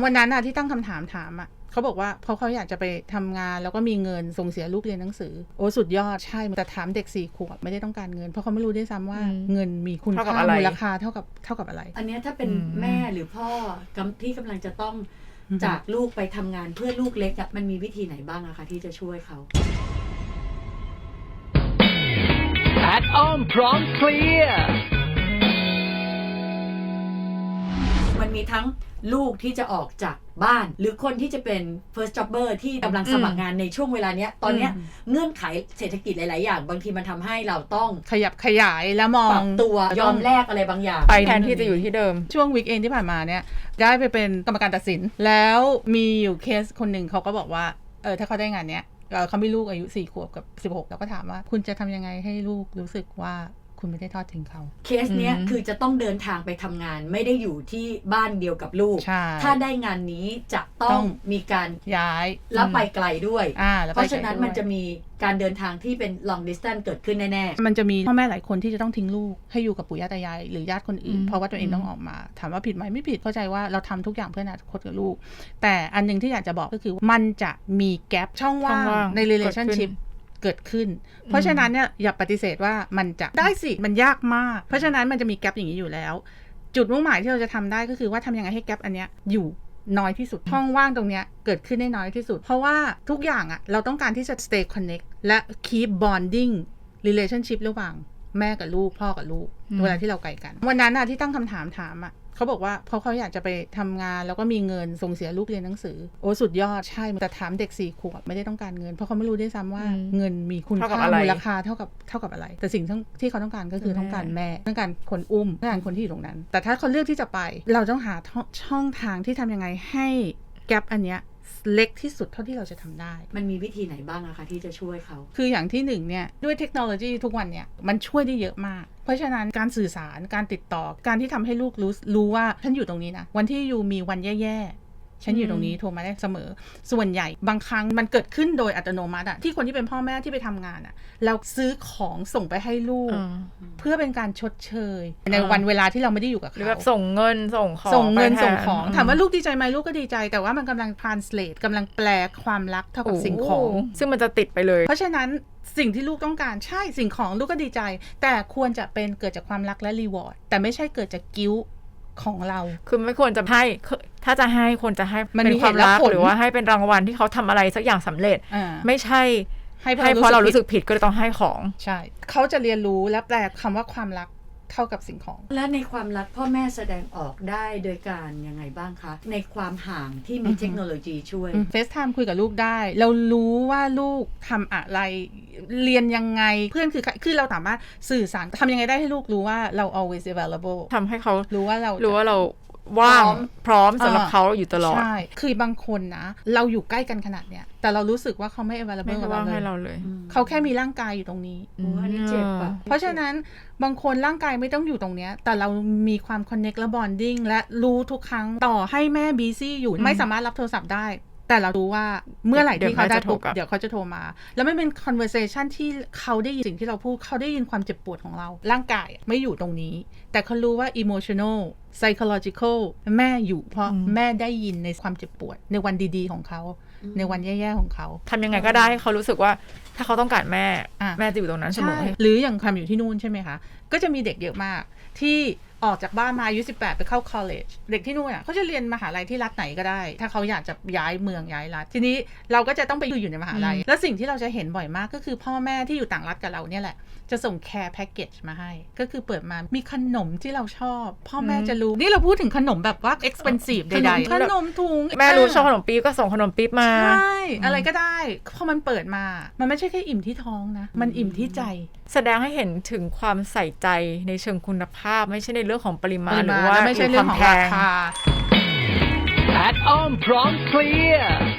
วันนั้นอะที่ตั้งคำถามอะเขาบอกว่าเพราะเขาอยากจะไปทำงานแล้วก็มีเงินส่งเสียลูกเรียนหนังสือโอ้สุดยอดใช่แต่ถามเด็ก4 ขวบไม่ได้ต้องการเงินเพราะเขาไม่รู้ด้วยซ้ำว่าเงินมีคุณค่ามูลค่าเท่ากับอะไรอันนี้ถ้าเป็นแม่หรือพ่อที่กำลังจะต้องจากลูกไปทำงานเพื่อลูกเล็กมันมีวิธีไหนบ้างอะคะที่จะช่วยเขาแพทอ้อมพร้อมเคลียร์มันมีทั้งลูกที่จะออกจากบ้านหรือคนที่จะเป็น first jobber ที่กำลังสมัครงานในช่วงเวลาเนี้ยตอนเนี้ยเงื่อนไขเศรษฐกิจหลายๆอย่างบางทีมันทำให้เราต้องขยับขยายแล้วมองปรับตัวยอมแลกอะไรบางอย่างไปแทนที่จะอยู่ที่เดิมช่วงวีคเอนที่ผ่านมาเนี่ยได้ไปเป็นกรรมการตัดสินแล้วมีอยู่เคสคนหนึ่งเขาก็บอกว่าถ้าเขาได้งานเนี้ยเขามีลูกอายุ4 ขวบกับ16แล้วก็ถามว่าคุณจะทำยังไงให้ลูกรู้สึกว่าคุณไม่ได้ทอดทิ้งเขาเคสเนี้ยคือจะต้องเดินทางไปทำงานไม่ได้อยู่ที่บ้านเดียวกับลูกถ้าได้งานนี้จะต้องมีการย้ายแล้วไปไกลด้วยเพราะฉะนั้นมันจะมีการเดินทางที่เป็น long distance เกิดขึ้นแน่ๆมันจะมีพ่อแม่หลายคนที่จะต้องทิ้งลูกให้อยู่กับปู่ย่าตายายหรือญาติคนอื่นเพราะว่าตัวเองต้องออกมาถามว่าผิดไหมไม่ผิดเข้าใจว่าเราทำทุกอย่างเพื่ออนาคตกับลูกแต่อันนึงที่อยากจะบอกก็คือมันจะมีแกปช่องว่างใน relationshipเกิดขึ้นเพราะฉะนั้นเนี่ยอย่าปฏิเสธว่ามันจะได้สิมันยากมากเพราะฉะนั้นมันจะมีแกปอย่างนี้อยู่แล้วจุดมุ่งหมายที่เราจะทำได้ก็คือว่าทำยังไงให้แกปอันเนี้ยอยู่น้อยที่สุดช่องว่างตรงเนี้ยเกิดขึ้นได้น้อยที่สุดเพราะว่าทุกอย่างอะเราต้องการที่จะ stay connect และ keep bonding relationship ระหว่างแม่กับลูกพ่อกับลูกเวลาที่เราไกลกันวันนั้นอะที่ตั้งคำถามอะเขาบอกว่าเพราะเขาอยากจะไปทำงานแล้วก็มีเงินส่งเสียลูกเรียนหนังสือโอ้สุดยอดใช่แต่ถามเด็ก4 ขวบไม่ได้ต้องการเงินเพราะเขาไม่รู้ด้วยซ้ำว่าเงินมีคุณค่ามูลค่าเท่ากับอะไรแต่สิ่งที่เขาต้องการก็คือต้องการแม่ต้องการคนอุ้มต้องการคนที่อยู่ตรงนั้นแต่ถ้าเขาเลือกที่จะไปเราต้องหาช่องทางที่ทำยังไงให้แกปอันเนี้ยเล็กที่สุดเท่าที่เราจะทำได้มันมีวิธีไหนบ้างอะคะที่จะช่วยเขาคืออย่างที่1เนี่ยด้วยเทคโนโลยีทุกวันเนี่ยมันช่วยได้เยอะมากเพราะฉะนั้นการสื่อสารการติดต่อการที่ทำให้ลูกรู้ว่าฉันอยู่ตรงนี้นะวันที่อยู่มีวันแย่ๆฉันอยู่ตรงนี้โทรมาได้เสมอส่วนใหญ่บางครั้งมันเกิดขึ้นโดยอัตโนมัติอะที่คนที่เป็นพ่อแม่ที่ไปทำงานอะเราซื้อของส่งไปให้ลูกเพื่อเป็นการชดเชยในวันเวลาที่เราไม่ได้อยู่กับเขาหรือแบบส่งเงินส่งของถามว่าลูกดีใจไหมลูกก็ดีใจแต่ว่ามันกำลัง translate กำลังแปลความรักเท่ากับสิ่งของซึ่งมันจะติดไปเลยเพราะฉะนั้นสิ่งที่ลูกต้องการใช่สิ่งของลูกก็ดีใจแต่ควรจะเป็นเกิดจากความรักและรีวอร์ดแต่ไม่ใช่เกิดจากกิ้วของเราคือไม่ควรจะให้ถ้าจะให้ควรจะให้เป็นความรักหรือว่าให้เป็นรางวัลที่เขาทำอะไรสักอย่างสำเร็จไม่ใช่ให้เพราะเรารู้สึกผิดก็เลยต้องให้ของใช่เขาจะเรียนรู้และแปลคำว่าความรักเท่ากับสิ่งของและในความรักพ่อแม่แสดงออกได้โดยการยังไงบ้างคะในความห่างที่มีเทคโนโลยีช่วย FaceTime คุยกับลูกได้เรารู้ว่าลูกทำอะไรเรียนยังไงเพื่อนคือเราสามารถสื่อสารทำยังไงได้ให้ลูกรู้ว่าเรา always available ทำให้เขารู้ว่าเราว่างพร้อมสำหรับเขาอยู่ตลอดใช่คือบางคนนะเราอยู่ใกล้กันขนาดเนี้ยแต่เรารู้สึกว่าเขาไม่ available กับเราเลยเขาแค่มีร่างกายอยู่ตรงนี้อันนี้เจ็บอ่ะเพราะฉะนั้นบางคนร่างกายไม่ต้องอยู่ตรงเนี้ยแต่เรามีความ connect และ bonding และรู้ทุกครั้งต่อให้แม่ busy อยู่ไม่สามารถรับโทรศัพท์ได้แต่เรารู้ว่าเมื่อไหร่ที่เขาได้ปุ๊บเดี๋ยวเขาจะโทรมาแล้วไม่เป็น conversation ที่เขาได้ยินสิ่งที่เราพูดเขาได้ยินความเจ็บปวดของเราร่างกายไม่อยู่ตรงนี้แต่เขารู้ว่า emotional psychological แม่อยู่เพราะแม่ได้ยินในความเจ็บปวดในวันดีๆของเขาในวันแย่ๆของเขาทำยังไงก็ได้ให้เขารู้สึกว่าถ้าเขาต้องการแม่จะอยู่ตรงนั้นเสมอหรืออย่างความอยู่ที่นู่นใช่ไหมคะก็จะมีเด็กเยอะมากที่ออกจากบ้านมาอายุ18ไปเข้า college เด็กที่นู่นเขาจะเรียนมหาลัยที่รัฐไหนก็ได้ถ้าเขาอยากจะย้ายเมืองย้ายรัฐทีนี้เราก็จะต้องไปอยู่ในมหาลัยแล้วสิ่งที่เราจะเห็นบ่อยมากก็คือพ่อแม่ที่อยู่ต่างรัฐกับเราเนี่ยแหละจะส่ง care package มาให้ก็คือเปิดมามีขนมที่เราชอบพ่อแม่จะรู้นี่เราพูดถึงขนมแบบว่า expensive ใดๆขนมถุงแม่รู้ชอบขนมปี๊บก็ส่งขนมปี๊บมาใช่อะไรก็ได้พอมันเปิดมามันไม่ใช่แค่อิ่มที่ท้องนะมันอิ่มที่ใจแสดงให้เห็นถึงความใส่ใจในเชิงคุณภาพไม่ใช่ในเรื่องของปริมาณหรือว่าไม่ใช่เรื่องของราคาแพทอ้อมพร้อมเคลียร์